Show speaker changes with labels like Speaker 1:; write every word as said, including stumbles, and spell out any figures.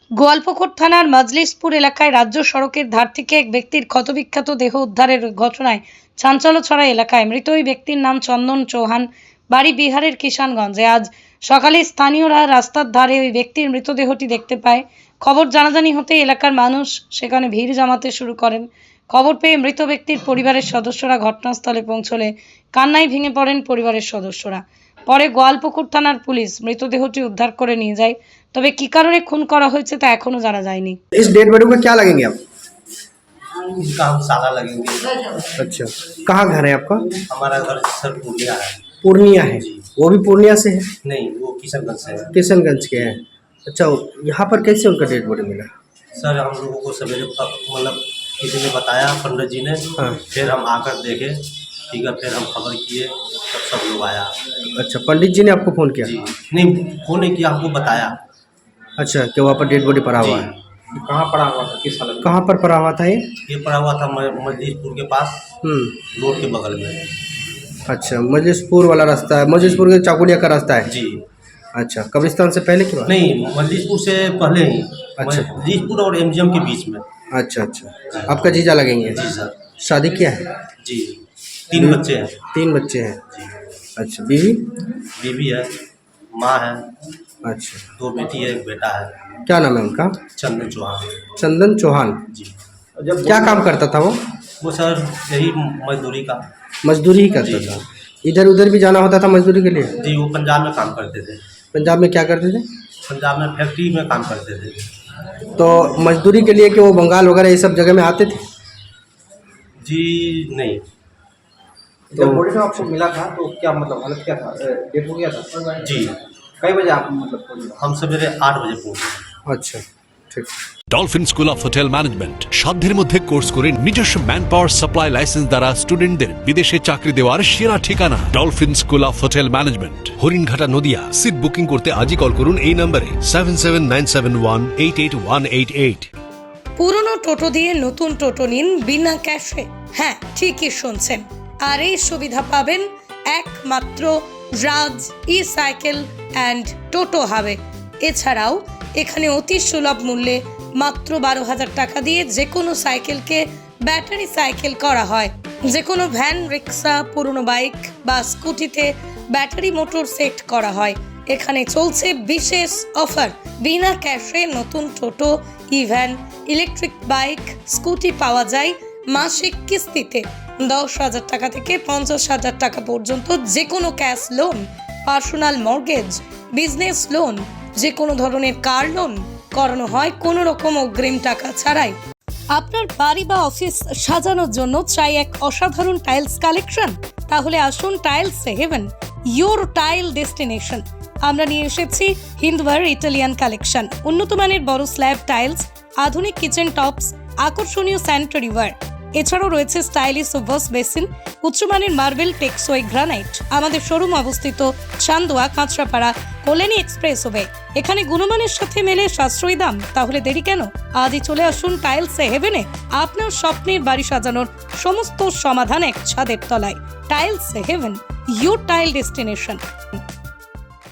Speaker 1: গোয়ালপুকুর থানার মজলিশপুর এলাকায় রাজ্য সড়কের ধার থেকে এক ব্যক্তির ক্ষতবিক্ষত দেহ উদ্ধারের ঘটনায় চাঞ্চল্য ছড়ায় এলাকায়। মৃত ওই ব্যক্তির নাম চন্দন চৌহান, বাড়ি বিহারের কিষানগঞ্জে। আজ সকালে স্থানীয়রা রাস্তার ধারে ওই ব্যক্তির মৃতদেহটি দেখতে পায়। খবর জানাজানি হতে এলাকার মানুষ সেখানে ভিড় জমাতে শুরু করেন। খবর পেয়ে মৃত ব্যক্তির পরিবারের সদস্যরা ঘটনাস্থলে পৌঁছলে কান্নায় ভেঙে পড়েন পরিবারের সদস্যরা। পরে গোয়ালপুকুর থানার পুলিশ মৃতদেহটি উদ্ধার করে নিয়ে যায়। তবে কি কারণে খুন করা হয়েছে তা এখনো জানা যায়নি।
Speaker 2: इस डेड बॉडी को क्या लगेंगे आप?
Speaker 3: इसका हम साला लगेंगे।
Speaker 2: अच्छा, कहाँ घर है आपका?
Speaker 3: हमारा घर सर पूर्णिया है।
Speaker 2: पूर्णिया है। वो भी पूर्णिया से है?
Speaker 3: नहीं, वो किशनगंज से है।
Speaker 2: किशनगंज के हैं। अच्छा, यहाँ पर कैसे उनका डेड बॉडी मिला?
Speaker 3: सर हम लोगों को सवेरे मतलब किसी ने बताया, पंडित जी ने।
Speaker 2: हाँ।
Speaker 3: फिर हम आकर देखे, ठीक है, फिर हम खबर किए, तब सब लोग आया।
Speaker 2: अच्छा, पंडित जी ने आपको फ़ोन किया?
Speaker 3: जी नहीं, फोन नहीं किया, हमको बताया।
Speaker 2: अच्छा, कि वहाँ पर डेड बॉडी पड़ा हुआ है।
Speaker 4: कहाँ पड़ा हुआ था, किस हालत में?
Speaker 2: कहाँ पर पड़ा हुआ था ये?
Speaker 3: ये पड़ा हुआ था मजलिसपुर के पास,
Speaker 2: हम्म
Speaker 3: रोड के बगल में।
Speaker 2: अच्छा, मजलिसपुर वाला रास्ता है, मजलिसपुर के चाकुलिया का रास्ता है।
Speaker 3: जी
Speaker 2: अच्छा, कब्रिस्तान से पहले की बात?
Speaker 3: नहीं, मजलिसपुर से पहले ही।
Speaker 2: अच्छा।
Speaker 3: मजलिसपुर और एमजीएम के बीच में।
Speaker 2: अच्छा अच्छा, आपका जीजा लगेंगे?
Speaker 3: जी सर।
Speaker 2: शादी किया है?
Speaker 3: जी, तीन बच्चे हैं।
Speaker 2: तीन बच्चे हैं।
Speaker 3: जी,
Speaker 2: अच्छा, बीवी?
Speaker 3: बीवी है, माँ है,
Speaker 2: अच्छा,
Speaker 3: दो बेटी है, एक बेटा है।
Speaker 2: क्या नाम है उनका?
Speaker 3: चंदन चौहान।
Speaker 2: चंदन चौहान।
Speaker 3: जी,
Speaker 4: जब
Speaker 2: क्या काम करता था वो?
Speaker 3: वो सर यही मजदूरी का।
Speaker 2: मजदूरी ही करता
Speaker 3: जी।
Speaker 2: था। इधर उधर भी जाना होता था मजदूरी के लिए?
Speaker 3: जी, वो पंजाब में काम करते थे।
Speaker 2: पंजाब में क्या करते थे?
Speaker 3: पंजाब में फैक्ट्री में काम करते थे।
Speaker 2: तो मजदूरी के लिए कि वो बंगाल वगैरह ये सब जगह में आते थे?
Speaker 3: जी नहीं।
Speaker 4: जब बॉडी में आपको मिला था तो क्या मतलब हालत क्या था, डेथ हो गया था?
Speaker 3: जी,
Speaker 4: कई बजे आप मतलब पहुंचे?
Speaker 3: हम सवेरे आठ बजे पहुँचे।
Speaker 2: अच्छा, ठीक।
Speaker 5: Dolphin school of hotel management সাধ্যের মধ্যে কোর্স করে নিজস্ব ম্যান পাওয়ার সাপ্লাই লাইসেন্স দ্বারা স্টুডেন্টদের বিদেশে চাকরি দেওয়ার সেরা ঠিকানা Dolphin school of hotel management, Haringhata, Nadia. Seat booking করতে আজই কল করুন এই নম্বরে seven seven nine seven one eight eight one eight eight.
Speaker 1: পুরনো টোটো দিয়ে নতুন টোটো নিন বিনা ক্যাশে। হ্যাঁ, ঠিকই শুনছেন। আর এই সুবিধা পাবেন একমাত্র রাজ ই সাইকেল অ্যান্ড টোটো হাবে। এছাড়াও এখানে অতি সুলভ মূল্যে মাত্র বারো হাজার টাকা দিয়ে যে কোনো সাইকেলকে ব্যাটারি সাইকেল করা হয়। যে কোনো ভ্যান, রিক্সা, পুরনো বাইক বা স্কুটিতে ব্যাটারি মোটর সেট করা হয়। এখানে চলছে বিশেষ অফার। বিনা ক্যাশে নতুন টোটো, ইভ্যান, ইলেকট্রিক বাইক, স্কুটি পাওয়া যায় মাসিক কিস্তিতে। দশ হাজার টাকা থেকে পঞ্চাশ হাজার টাকা পর্যন্ত যে কোনো cash loan, personal mortgage, business loan, যে কোনো ধরনের কার লোন করানো হয় কোনো রকম অগ্রিম টাকা ছাড়াই। আপনার বাড়ি বা অফিস সাজানোর জন্য চাই এক অসাধারণ টাইলস কালেকশন? তাহলে আসুন Tiles Haven, your tile destination. আমরা নিয়ে এসেছি হিন্দওয়ার ইটালিয়ান কালেকশন, উন্নত মানের বড় স্ল্যাব টাইলস, আধুনিক কিচেন টপস, আকর্ষণীয় স্যানিটারি ওয়্যার। এছাড়াও রয়েছে স্টাইলিশ ওয়াশ বেসিন, উচ্চমানের মার্বেল, টেকসই গ্রানাইট। আমাদের শোরুম অবস্থিত চান্দোয়া, কাঁচরাপাড়া, কল্যাণী এক্সপ্রেসওয়ে। এখানে গুণমানের সাথে মেলে সাশ্রয়ী দাম। তাহলে দেরি কেন? আজই চলে আসুন টাইলস হেভেনে। আপনার স্বপ্নের বাড়ি সাজানোর সমস্ত সমাধান এক ছাদের তলায়। Tiles Haven, your tile destination.